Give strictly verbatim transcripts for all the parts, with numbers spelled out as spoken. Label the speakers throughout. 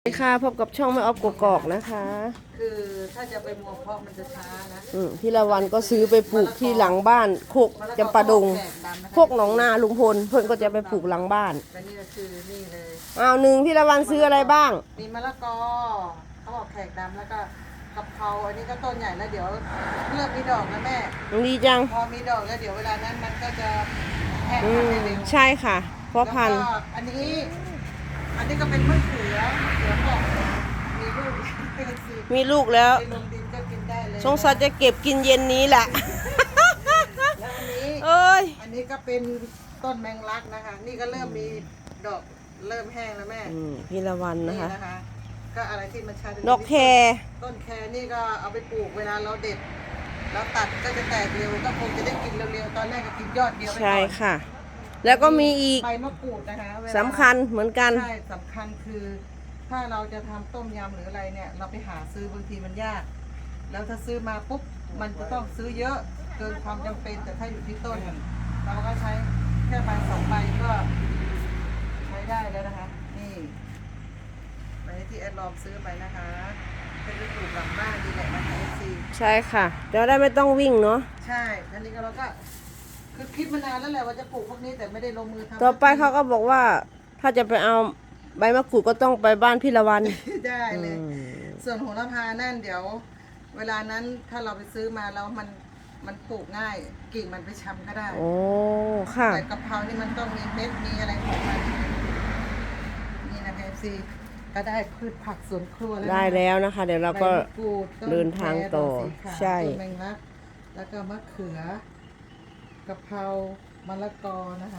Speaker 1: สวัสดีค่ะพบกับช่องแม่ออฟกกอกนะคะ
Speaker 2: คือถ้าจะไปมัวเพาะมันจะช้านะ
Speaker 1: อืมพี่ละวันก็ซื้อไปปลูกที่หลังบ้านโคกจำปาดงโคกหนองนาลุงพลเพื่อนก็จะไปปลูกหลังบ้าน
Speaker 2: แต่นี่ก็คือนี่เลย
Speaker 1: อ้าวหนึ่งพี่ละวันซื้ออะไรบ้าง
Speaker 2: มีมะละกอเขาบอกแขกดำแล้วก็กะเพราอันนี้ก็ต้นใหญ่แล้วเดี๋ยวเริ่มมีดอกนะแม่
Speaker 1: ดีจัง
Speaker 2: พอมีดอกแล้วเดี๋ยวเวลานั้นมันก็จะแห้ง
Speaker 1: อื
Speaker 2: พัน
Speaker 1: ม
Speaker 2: ได้เร็ว
Speaker 1: ใช่ค่ะเพราะพัน
Speaker 2: แล้ว
Speaker 1: ธุ์
Speaker 2: ก็อันนี้อันนี้ก็เป็นมะเขือเขือบอกมีลูกเป็นสี
Speaker 1: มีลูกแล้ว
Speaker 2: ไปลงดินก็กินได้เลย
Speaker 1: สงสัยจะเก็บกินเย็นนี้แหละ
Speaker 2: แล้วอันนี้
Speaker 1: เอ้ย
Speaker 2: อันนี้ก็เป็นต้นแมงลักนะคะ นี่ก็เริ่มมีดอกเริ่มแห้งแล้วแม่
Speaker 1: อืมพี่ละวันนะคะ
Speaker 2: นะคะ ก็อะไรที่มันใช้เป็น
Speaker 1: ดอกแคร
Speaker 2: ต้นแครนี่ก็เอาไปปลูกเวลาเราเด็ดแล้วตัดก็จะแตกเร็วก็คงจะได้กินเร็วๆตอนแรกก็กินยอดเดียวไปก่อน
Speaker 1: ใช่ค่ะ แล้วก็มีอีก
Speaker 2: ใบมะกรูดนะคะเวลา
Speaker 1: สำคัญเหมือนกัน
Speaker 2: ใช่สำคัญคือ ถ้าเราจะทำต้มยำหรืออะไรเนี่ย เราไปหาซื้อบางทีมันยาก แล้วถ้าซื้อมาปุ๊บมันจะต้องซื้อเยอะเกินความจำเป็นแต่ถ้าอยู่ที่ต้น เราก็ใช้แค่ใบสองใบก็ใช้ได้แล้วนะคะ นี่ใบที่แอดลอมซื้อไปนะคะเป็นไปปลูกหลังบ้านดีแหละนะคะเอฟซี
Speaker 1: ใช่ค่ะจะได้ไม่ต้องวิ่งเนาะ
Speaker 2: ใช่อันนี้ก็เราก็คือคิดมานานแล้วแหละว่าจะปลูกพวกนี้แต่ไม่ได้ลงมือทำ
Speaker 1: ต่อไปเขาก็บอกว่า ถ้าจะไปเอาใบมะกรูดก็ต้องไปบ้านพี่ละวัน
Speaker 2: ได้เลย ส่วนโหระพานั่นเดี๋ยว เวลานั้นถ้าเราไปซื้อมาแล้วมันมันปลูกง่ายกิ่งมันไปช้ำก็ได้
Speaker 1: โอ้ ค่ะ
Speaker 2: แต่กะเพรานี่มันต้องมีเม็ดมีอะไรของมันนี่นะคะเอฟซีก็ได้พืชผักสวนครัวแล้ว
Speaker 1: ได้แล้วนะคะ เดี๋ยวเราก็
Speaker 2: ใบมะรูดต้น
Speaker 1: เดินทางต่อ
Speaker 2: แครดกสีขาว
Speaker 1: ใช่
Speaker 2: ต้นแมงลักแล้วก็มะเขือกะเพรามะละกอนะคะ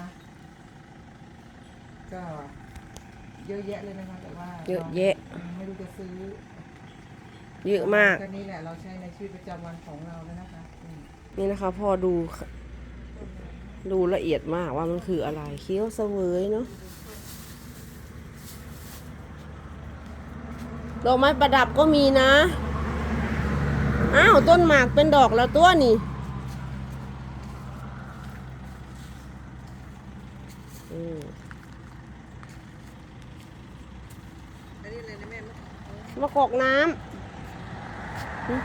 Speaker 2: ก็เยอะแยะเลยนะคะแต่ว่า
Speaker 1: เยอะแยะ
Speaker 2: เราไม่รู้จะซื้อ
Speaker 1: เยอะมาก
Speaker 2: ก็นี่แหละเราใช้ในชีวิตประจำวันของเราแล้วนะคะอืม
Speaker 1: นี่นะคะพอดู ดูละเอียดมากว่ามันคืออะไรเคี้ยวเสวยเนาะดอกไม้ประดับก็มีนะ อ้าว ต้นหมากเป็นดอกแล้วตัวนี่อืม
Speaker 2: อันนี้เลยนะแม่มะ
Speaker 1: มะกอกน้ำหึ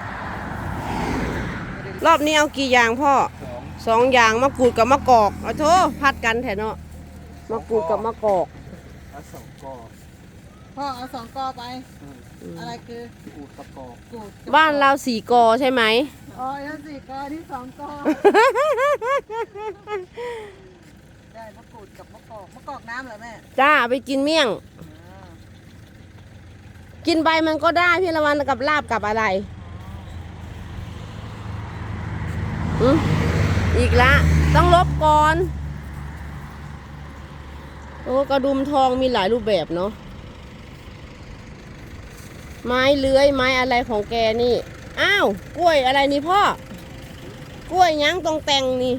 Speaker 1: รอบนี้เอากี่อย่างพ่อ สองอย่างมะกรูดกับมะกอกเอาโทพัดกันแถเนาะมะกรูดกับมะกอก
Speaker 3: เอาสองกอ
Speaker 2: พ่อเอาสองกอไป อะไรคือ
Speaker 3: อูดกับกอก
Speaker 2: กูด
Speaker 1: บ้านเราสี่กอใช่ไหม
Speaker 2: อ๋อนั่นสี่กอที่สองกอ ได้มะกรูดกับมะกอกมะกอกน้ำเหรอแม่
Speaker 1: จ้าไปกินเมี่ยง
Speaker 2: อ่า
Speaker 1: กินใบมันก็ได้พี่ละวันกับลาบกับอะไรอืมอีกละต้องลบก่อน โอ้กระดุมทองมีหลายรูปแบบเนาะไม้เลื้อยไม้อะไรของแกนี่ อ้าวกล้วยอะไรนี่พ่อกล้วยยั้งตรงแต่งนี่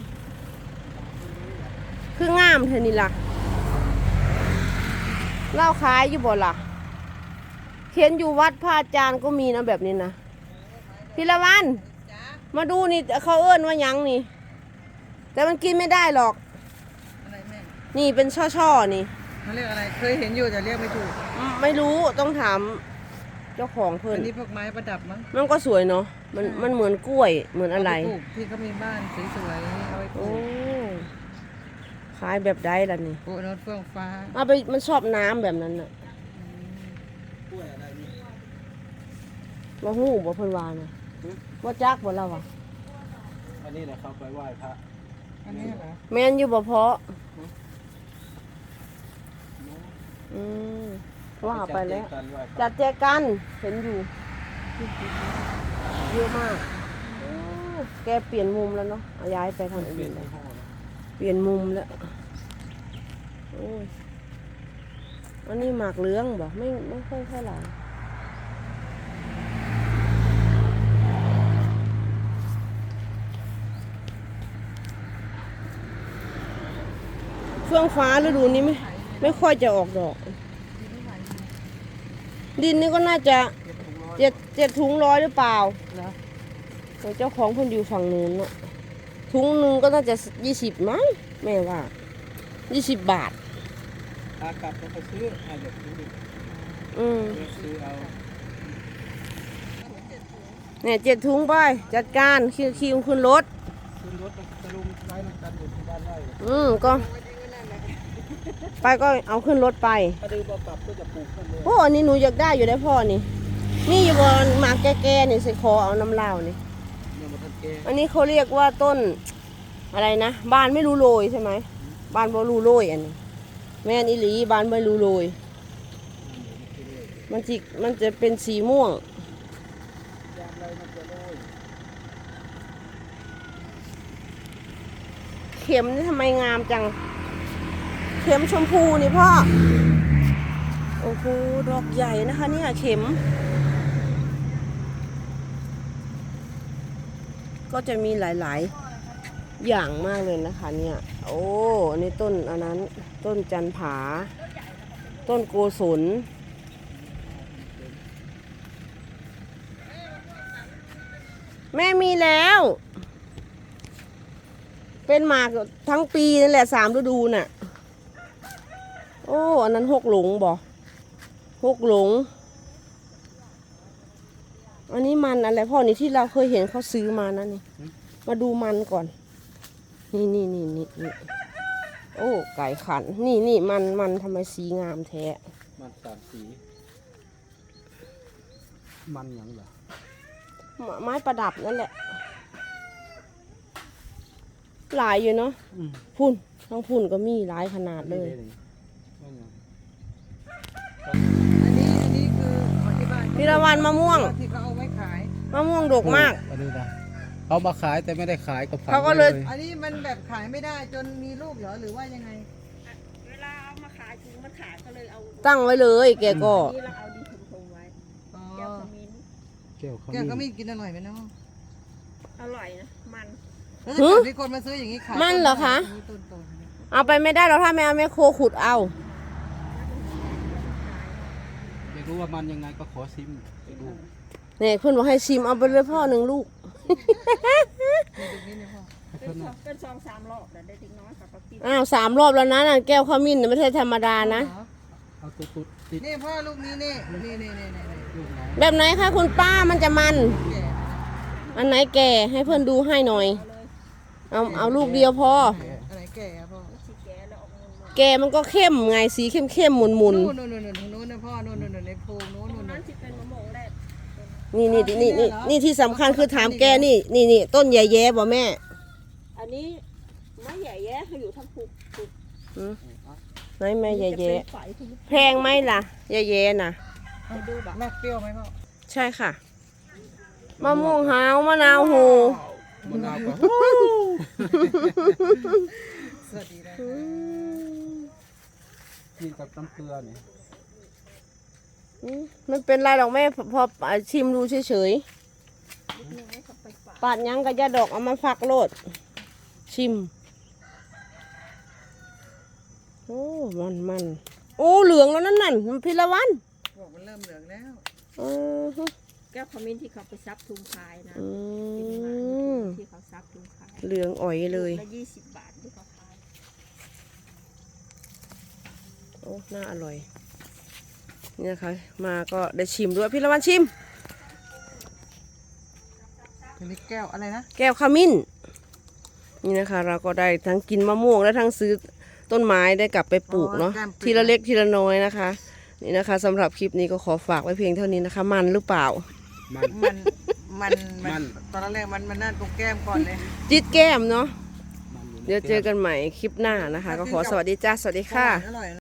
Speaker 1: คืองามเธอนี่ล่ะเล่าขายอยู่บ่ล่ะเขียนอยู่วัดพระอาจารย์ก็มีนะแบบนี้นะพี่ละวัน
Speaker 2: จ้า
Speaker 1: มาดูนี่เขาเอิ้นว่าหยังนี่ แต่มันกินไม่ได้หรอก
Speaker 2: อะไรแม่
Speaker 1: นี่เป็นช่อๆนี่
Speaker 2: เขาเรียกอะไรเคยเห็นอยู่แต่เรียกไม่ถูก
Speaker 1: อืมไม่รู้ต้องถามเจ้าของเพิ่น
Speaker 2: อันนี้พวกไม้ประดับมั้ง
Speaker 1: มันก็สวยเนาะมันมันเหมือนกล้วยเหมือนอะไร
Speaker 2: เาปปลูกที่เขามีบ้านสวยๆเอาไปปลู
Speaker 1: โอ้
Speaker 2: ก
Speaker 1: ขายแบบใดล่ะนี่
Speaker 2: ปลูกรถเฟื่องฟ้า
Speaker 1: เอาไปมันชอบน้ำแบบนั้นน่ะ
Speaker 3: กล้วยอะไรนี่
Speaker 1: บ่ฮู้บ่เพิ่นว่าน่ะบ่จักบ่เราอ่ะ
Speaker 3: อันนี้แหละครับไปไหว้พระ
Speaker 2: อันนี้เหรอ
Speaker 1: แม่นอยู่บ่เพาะอืมว่าไปแล้ว
Speaker 3: จัดเจกันไหว้พระ
Speaker 1: จัดแจกันเห็นอยู่เยอะมากโอ้แกเปลี่ยนมุมแล้วเนาะเอาย้ายไปทาง
Speaker 3: เป
Speaker 1: อื่
Speaker 3: ลี่ย
Speaker 1: น
Speaker 3: น
Speaker 1: แล้ว
Speaker 3: ยี่ห้อนะ
Speaker 1: เปลี่ยนมุมแล้วโอ้ยอันนี้หมากเหลืองบ่ไม่ไม่ค่อยเท่าไหร่เฟื่องฟ้าฤดูนี้ไม่ไม่ค่อยจะออกดอก ดินนี่ก็น่าจะเจ็ดเจ็ดถุงร้อยหรือเปล่า
Speaker 2: เหรอ
Speaker 1: แต่เจ้าของเพิ่นอยู่ฝั่งนู้นน่ะถุงหนึ่งก็น่าจะยี่สิบมั้งแม่ว่ายี่สิบบาท
Speaker 3: อากลับจะไปซื้ออ่าเดี๋ยวซื้อดิ
Speaker 1: ออืม
Speaker 3: ซื้อเอา
Speaker 1: เนี่ยเจ็ดถุงไปจัดการคิวคิวขึ้นรถ
Speaker 3: ขึ้นรถจะลุมไว้น้ำกันอยู่ที่บ้านไร่
Speaker 1: อืมก็ ไปก็เอาขึ้นรถไป
Speaker 3: ถ้าดื้อบ่กลับก็จะปลูกขึ้นเลย
Speaker 1: โอ้อันนี้หนูอยากได้อยู่ได้พ่อนี่ นี่อยู่บนหมากแก่ๆนี่สิคอเอาน้ำเหล้านี่
Speaker 3: เนี่ยมันทันแก
Speaker 1: อันนี้เขาเรียกว่าต้นอะไรนะบ้านไม่รู้โรยใช่ไหมบ้านบ่รู้โรยอันนี้แม่นอีหลีบ้านไม่รู้โรยมันจิมันจะเป็นสีม่วง
Speaker 3: ยามไรมันจะโรย
Speaker 1: เข็มนี่ทำไมงามจัง เข็มชมพูนี่พ่อ โอ้โหดอกใหญ่นะคะเนี่ยเข็ม ก็จะมีหลายๆอย่างมากเลยนะคะเนี่ย โอ้อันนี้ต้นอันนั้น ต้นจันผา ต้นโกศล แม่มีแล้ว เป็นหมากทั้งปีนั่นแหละสามฤดูน่ะ โอ้อันนั้นหกหลงบ่หกหลง อันนี้มันอะไรพ่อนี่ที่เราเคยเห็นเขาซื้อมานั่นนี่ มาดูมันก่อน นี่นี่นี่นี่นี่โอ้ไก่ขัน นี่นี่มันมันทำไมสีงามแท้
Speaker 3: มันสามสี มันหยังเหรอ
Speaker 1: ไม้ประดับนั่นแหละ หลายอยู่เนาะ
Speaker 3: อืม
Speaker 1: พุ่นทั้งพุ่นก็มีหลายขนาดเลย
Speaker 3: มันหยัง
Speaker 2: อันนี้อันนี้คือของที่บ้าน
Speaker 1: พิรวันมะม่วง
Speaker 2: ที่เขาเอาไว้ขาย
Speaker 1: มะม่วงดกมาก
Speaker 3: อันนี้นะเอามาขายแต่ไม่ได้ขายก็ฝัง
Speaker 1: เขาก็เลย
Speaker 3: ไว้
Speaker 2: อันนี้มันแบบขายไม่ได้จนมีลูกเหรอหรือว่ายังไง
Speaker 4: เวลาเอามาขายถุงมันขาดก็เลยเอา
Speaker 1: ตั้งไว้เลย แกก็
Speaker 4: นี่เราเอาดินถมๆไว้
Speaker 2: อ๋อ
Speaker 4: แก้วขมิ้น
Speaker 3: แก้วข
Speaker 2: แกก็ไม่
Speaker 3: มิ้น
Speaker 2: กินอร่อยไหมเนาะ
Speaker 4: อร่อยนะ มัน
Speaker 2: แล้วถ้าเกิดมีคนมาซื้ออย่างนี้ขาย
Speaker 1: มันเหรอคะ
Speaker 2: ต้นโตๆเนี่ย
Speaker 1: เอาไปไม่ได้เราถ้าไม่เอาแม่โคขุดเอา
Speaker 3: อยากรู้ว่ามันยังไงก็ขอซิมไปดู
Speaker 1: เนี่ยเพื่อนบอกให้ชิมเอาไปเลยพ่อหนึ่งลูก
Speaker 2: มีตรงนี้เนี่ยพ่อ
Speaker 3: ให้
Speaker 4: เป็
Speaker 3: เพิ่
Speaker 4: น
Speaker 3: น
Speaker 4: สองเป็นสองสามรอบแต่ได้ทิ้งน้อยค่ะก็กิน
Speaker 1: อ้าวสามรอบแล้วนะน่ะแก้วขมิ้นน่ะไม่ใช่ธรรมดานะ
Speaker 3: เอาตัวตุดติด
Speaker 2: นี่พ่อลูกนี้นี่นี่นี่นี่นี่นี่
Speaker 3: ลูกไหน
Speaker 1: แบบไหนคะคุณป้ามันจะมัน
Speaker 2: แก่
Speaker 1: อันไหนแก่ให้เพื่อนดูให้หน่อย เอาเอาลูกเดียวพอ
Speaker 2: อะไรแก่อะพ่อ
Speaker 4: สีแก่แล้วออกเงินมา
Speaker 1: แก่มันก็เข้มไงสีเข้มเข้มๆหมุนหมุน
Speaker 2: นู่นนู่นนู่นนู่นนู่นนะพ่อนู่นนู่นนู่นในโพรงนู่น
Speaker 4: ตร
Speaker 2: นู่
Speaker 4: ง
Speaker 2: น
Speaker 4: นั้
Speaker 2: นู่
Speaker 4: น
Speaker 2: น
Speaker 4: ที่เป็นมะม่วงแรก
Speaker 1: ๆนี่นี่นี่นี่นี่ที่สำคัญคือถามแกนี่นี่นี่ต้นใหญ่แย่บ่แม่
Speaker 4: อันนี้ไม่ใหญ่แย่เขาอยู่ทั้งภูภู
Speaker 1: หืมไหนแม่ใหญ่แย่
Speaker 4: จะเป็นฝ่ายที่
Speaker 1: แพงไหมล่ะใหญ่แย่น่ะ
Speaker 4: ไปดูแบบ
Speaker 2: แม่เปรี้ยวไหมพ่อ
Speaker 1: ใช่ค่ะมะม่วงหาวมะนาวโห
Speaker 3: มะนาวก็
Speaker 2: สวัสดีนะ
Speaker 1: อื
Speaker 2: คะ
Speaker 1: ม
Speaker 3: กินกับน้ำเกลือเนี่ย
Speaker 1: อืมมันเป็นไรหรอกแม่พอพอชิมดูเฉย
Speaker 4: นิดนึงให้เขาไปฝาก
Speaker 1: ๆปาดหยังกระยาดอกเอามาฝักโลด ชิม โอ้มันมันโอ้เหลืองแล้วนั่นนั่นมันพิละวัน
Speaker 2: บอกมันเริ่มเหลืองแล้ว
Speaker 1: เออฮะ
Speaker 4: แก้วขมิ้นที่เขาไปซับถุงขายนะ
Speaker 1: อื
Speaker 4: เป็นมา
Speaker 1: ม
Speaker 4: ที่เขาซับถุงขาย
Speaker 1: เหลืองอ่อยเลย
Speaker 4: ละยี่สิบบาทที่เขาขาย
Speaker 1: โอ้น่าอร่อย นี่นะคะ มาก็ได้ชิมด้วยพี่ละวันชิม
Speaker 2: อันนี้แก้วอะไรนะ
Speaker 1: แก้วขมิ้น นี่นะคะ เราก็ได้ทั้งกินมะม่วงและทั้งซื้อต้นไม้ได้กลับไปปลูกเนาะ ทีละเล็กทีละน้อยนะคะ นี่นะคะสำหรับคลิปนี้ก็ขอฝากไว้เพียงเท่านี้นะคะ มันหรือเปล่า
Speaker 3: มัน
Speaker 2: มันมัน
Speaker 3: มั
Speaker 2: มัน นตอนแรกมันมันนั่นตรงแก้มก่อนเลย
Speaker 1: จิตแก้มเนาะ
Speaker 3: มันอยู่ใน
Speaker 1: เดี๋ยวเจอกันใหม่คลิปหน้านะคะ ก็ขอสวัสดีจ้า สวัสดีค่ะ
Speaker 2: อร่อย